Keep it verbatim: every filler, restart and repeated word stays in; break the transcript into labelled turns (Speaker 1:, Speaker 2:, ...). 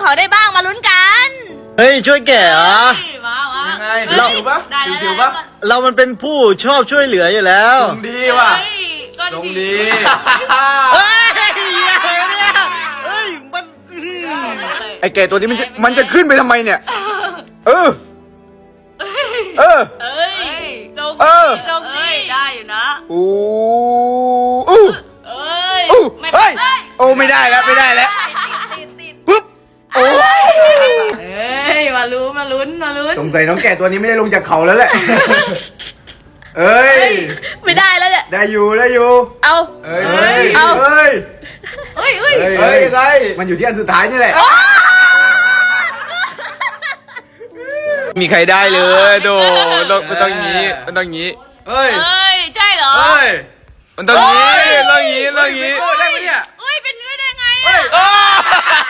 Speaker 1: เขาได้บ้างมาลุ้นกัน
Speaker 2: เฮ้ยช่วยแกะเหรอ
Speaker 1: มามา
Speaker 3: ยังไง
Speaker 2: เรา
Speaker 3: จิ๋วปะ
Speaker 1: ได้แล้ว
Speaker 3: จิ๋วๆปะ
Speaker 2: เรามันเป็นผู้ชอบช่วยเหลืออยู่แล้ว
Speaker 3: ตรงดีว่ะ
Speaker 1: ก็
Speaker 3: ตรง
Speaker 1: ดี
Speaker 3: ดี
Speaker 2: เฮ้ยอะไรเนี่ยเฮ้ยมันอื้อหือ
Speaker 3: ไอ้แก่ตัวนี้มันจะมันจะขึ้นไปทำไมเนี่ย เออ เออ
Speaker 1: เอ้ยตรง
Speaker 3: เออ
Speaker 1: ตรงนี้ได้อยู่นะ
Speaker 3: อู้อู้
Speaker 1: เอ้ย
Speaker 3: อู้
Speaker 1: ไม่
Speaker 3: เฮ้ย
Speaker 1: ได้
Speaker 3: โอ้ไม่ได้แล้วไม่ได้แล้ว
Speaker 1: ติดติด
Speaker 3: ปุ๊บโอ้
Speaker 1: เอ้ยมาลุ้นมาลุ้นมาลุ้น
Speaker 3: สงสัยน้องแก่ตัวนี้ไม่ได้ลงจากเขาแล้วแหละ เอ้ย
Speaker 1: ไม่ได้แล้วเนี่ย
Speaker 3: ได้อยู่ได้อยู่
Speaker 1: เอา
Speaker 3: เอ้ยเอ้ย
Speaker 1: เอา
Speaker 3: เอ้ย
Speaker 1: เฮ้ยเฮ้ย
Speaker 3: เฮ้ยยังไงมันอยู่ที่อันสุดท้ายนี่แหละ
Speaker 2: มีใครได้เลยโดมันต้องมันต้องงี้มันต้องงี้
Speaker 3: เอ้ย
Speaker 1: เอ้ยใช่เหรอ
Speaker 3: เอ้ย
Speaker 2: มันต้องงี้ต้องงี้ต้องงี้
Speaker 3: โอ้ได้ไหมเนี่ย
Speaker 1: เอ้ยเป็นไปได้ไง
Speaker 3: เอ้
Speaker 1: อ่ะ
Speaker 3: ย